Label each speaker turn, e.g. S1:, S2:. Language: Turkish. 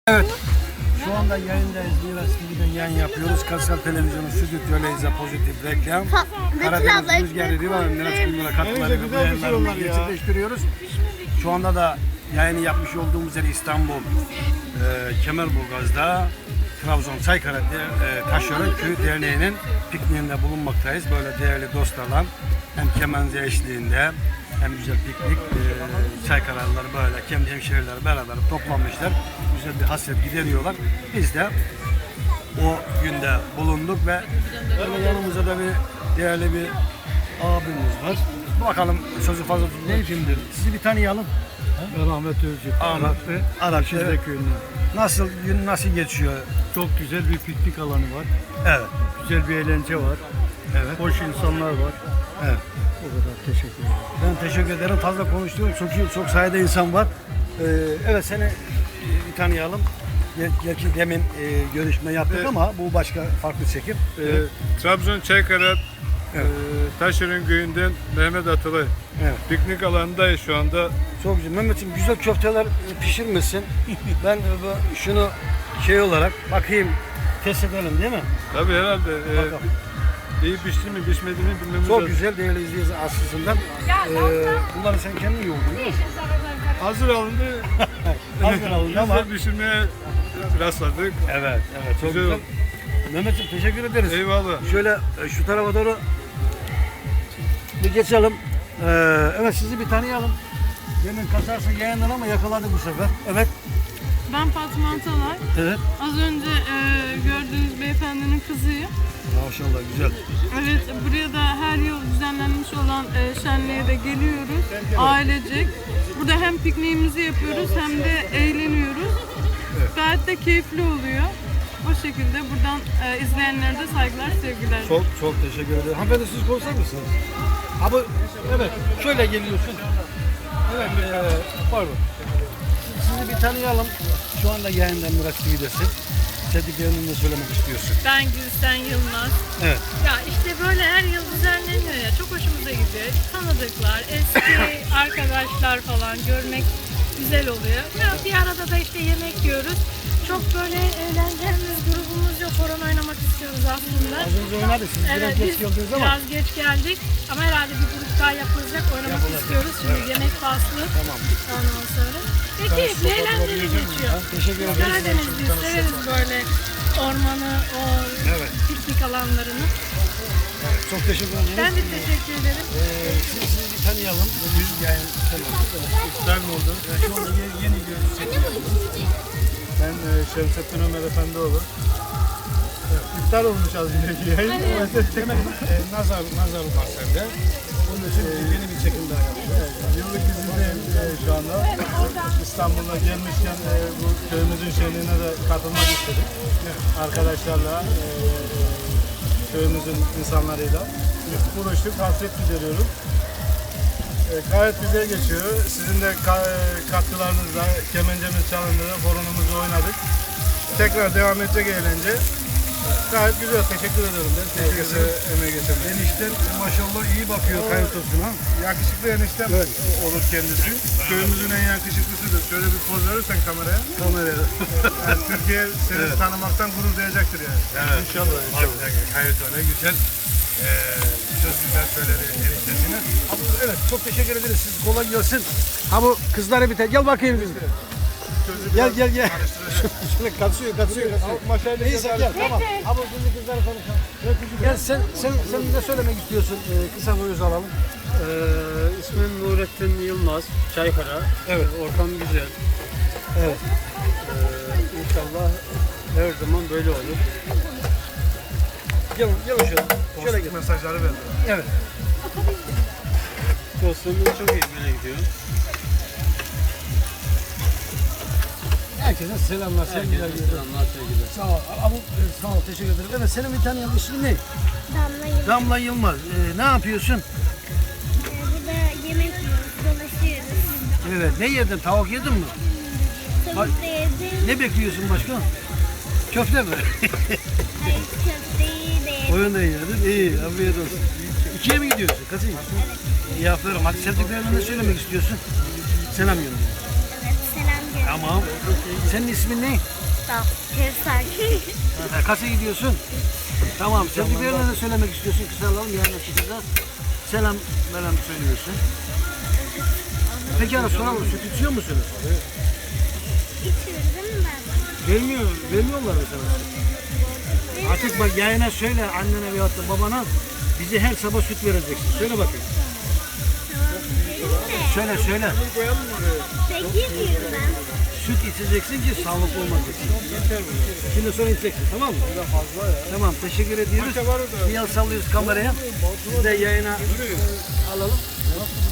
S1: Evet. Şu anda yayındayız. Miras TV'den yayın yapıyoruz. Karsal Televizyonu Stüdyo Leyza Pozitif Reklam. Karadeniz Rüzgarı Riva ve Miraç Kumlu'na katkılarıyla bu yayınlarımızı gerçekleştiriyoruz. Şu anda da yayını yapmış olduğumuz yer İstanbul Kemerburgaz'da Trabzon Çaykara Taşyören Köyü Derneği'nin pikniğinde bulunmaktayız. Böyle değerli dostlarla hem kemenze eşliğinde hem güzel piknik, Çaykaralılar böyle kendi hemşehrileri beraber toplanmışlar. Güzel bir hasret gideriyorlar. Biz de o günde bulunduk ve böyle yanımızda da bir değerli bir abimiz var. Bakalım sözü fazla tutmayayım şimdi. Sizi bir tanıyalım.
S2: Ben Ahmet Özcük.
S1: Ahmet Arakçı'da
S2: köyünden.
S1: Nasıl gün nasıl geçiyor?
S2: Çok güzel bir piknik alanı var.
S1: Evet.
S2: Güzel bir eğlence var.
S1: Evet.
S2: Hoş insanlar var.
S1: Evet.
S2: O kadar teşekkür ederim.
S1: Ben teşekkür ederim. Fazla konuştuğum çok sayıda insan var. Evet seni bir tanıyalım. Gerçi demin görüşme yaptık ama bu başka farklı çekim.
S3: Trabzon Çaykara
S1: Evet.
S3: Taşyören Köyü'nden Mehmet Atılay.
S1: Evet.
S3: Piknik alanındayız şu anda.
S1: Çok güzel. Mehmetciğim güzel köfteler pişirmişsin. Ben şunu şey olarak bakayım test edelim değil mi?
S3: Tabii herhalde
S1: Bakalım.
S3: iyi pişti mi pişmedi mi bilmemiz
S1: Çok
S3: lazım.
S1: güzel değerli izleyici aslında. Bunları sen kendin yoğurdun değil mi?
S3: Hazır alındı.
S1: Hazır alındı ama.
S3: Güzel pişirmeye rastladık.
S1: Evet, çok
S3: Güzel
S1: güzel.
S3: oldu.
S1: Mehmetciğim teşekkür ederiz.
S3: Eyvallah.
S1: Şöyle şu tarafa doğru bir geçelim. Evet sizi bir tanıyalım. Demin kaçarsa yayınlar ama yakaladık bu sefer. Evet.
S4: Ben Fatma Atalay.
S1: Evet.
S4: Az önce gördüğünüz beyefendinin kızıyım.
S1: Maşallah güzel.
S4: Evet, buraya da her yıl düzenlenmiş olan şenliğe de geliyoruz. Ailecek. Burada hem pikniğimizi yapıyoruz hem de eğleniyoruz. Gayet de keyifli oluyor. O şekilde buradan izleyenlere de saygılar, sevgiler.
S1: Çok teşekkür ederim. Hanımefendi siz konuşar mısınız? Abi evet şöyle geliyorsun. Evet pardon. Sizi bir tanıyalım. Şu anda yayından Miraç TV'desin. Sevdiklerini ne söylemek istiyorsun?
S5: Ben Gülsen Yılmaz.
S1: Evet.
S5: Ya işte böyle her yıl düzenleniyor ya, çok hoşumuza gidiyor. Tanıdıklar, eski arkadaşlar falan görmek güzel oluyor. Ya bir arada da işte yemek yiyoruz. Çok böyle eğleneceğimiz grubumuz yok. Horon oynamak istiyoruz aslında.
S1: Az önce oynadık. Siz biraz
S5: Evet,
S1: geç
S5: biz
S1: geldiniz ama.
S5: biraz geç geldik. Ama herhalde bir grup daha yapılacak. Oynamak istiyoruz. Şimdi yemek faslı.
S1: Tamam.
S5: Ondan sonra. Ve keyifli, eğlenceli geçiyor.
S1: Teşekkür ederiz.
S5: Karadeniz'de severiz böyle ormanı, o
S1: Evet.
S5: piknik alanlarını.
S1: Çok teşekkür ederim.
S5: Ben de teşekkür ederim.
S1: Sizi bir tanıyalım. Yüz yayın
S3: İftar mı oldu?
S1: Şu anda yeni görüntü.
S3: Ben Şemsettin Ömer Efendioğlu. İftar olmuş az önceki yayın.
S1: Demek nazar var sende. Onun için yeni bir çekim daha yapıyoruz.
S3: Yıllık izindeyim şu anda. İstanbul'a gelmişken bu köyümüzün şenliğine de katılmak istedik. Arkadaşlarla, köyümüzün insanlarıyla buluştuk, hasret gideriyoruz. Gayet güzel geçiyor. Sizin de katkılarınızla kemencemiz çalındı, horonumuzu oynadık. Tekrar devam edecek eğlence. Gayet güzel, teşekkür ederim ben. Herkese emeği getirdim.
S1: Enişten maşallah iyi bakıyor kayıtosuna.
S3: Yakışıklı eniştem olur kendisi. Köyümüzün en yakışıklısıdır. Şöyle bir poz verirsen kameraya.
S1: Kameraya.
S3: Yani Türkiye seni tanımaktan gurur duyacaktır yani.
S1: Evet. İnşallah. Kayıtona güzel. Çok güzel söyledi eniştesine. Abi, evet çok teşekkür ederiz. Siz kolay gelsin. Ha bu kızlara bir gel bakayım biz. Gel. Şöyle kaçıyor. Neyse gel tamam. Abi şimdi kızlara konuşalım. Gel sen ne söylemek istiyorsun? Kısa bir öz alalım.
S2: İsmim Nurettin Yılmaz. Çaykara.
S1: Evet.
S2: Ortam güzel.
S1: Evet.
S2: İnşallah her zaman böyle olur.
S1: Gel şöyle gel.
S3: Mesajları verdi.
S1: Evet.
S2: Dostluğumuz çok iyi böyle gidiyor.
S1: Herkese selamlar, sevgiler.
S2: Herkese selamlar, sevgiler.
S1: Sağ ol. Abi, sağ ol, teşekkür ederim. Evet, senin bir tanıyalım. İsmin ne?
S6: Damla Yıldız.
S1: Damla Yılmaz. Ne yapıyorsun?
S6: Burada yemek yiyoruz, dolaşıyoruz.
S1: Evet. Ne yedin? Tavuk yedin mi?
S6: Tavuk da yedim.
S1: Ne bekliyorsun başka? Köfte mi?
S6: Hayır, köfteyi de yedim.
S1: Oyun da yedin. İyi, afiyet olsun. İkiye mi gidiyorsun? Kaçıncı? İyi, aferin. Hadi sevdiklerine ne söylemek istiyorsun? Selam gönder.
S6: Evet, selam gönderiyorum.
S1: Tamam. Senin ismin ne?
S6: Da. Kevser.
S1: Kaça gidiyorsun? Tamam. Sevdiklerine ne söylemek istiyorsun? Kısa alalım. Yarın çıkacağız. Selam söylüyorsun. Peki ana soralım. Süt içiyor musunuz?
S6: İçiyoruz değil mi ben?
S1: Vermiyorlar mı sana? Artık bak yayına söyle annene veyahut da babana bize her sabah süt vereceksin. Söyle bakayım. Söyle.
S6: Peki miyim ben?
S1: Süt içeceksin ki sağlıklı olmak için. Şimdi sonra içeceksin, tamam mı? Tamam, teşekkür ediyoruz. Bir el sallıyoruz kameraya. Siz de yayına alalım.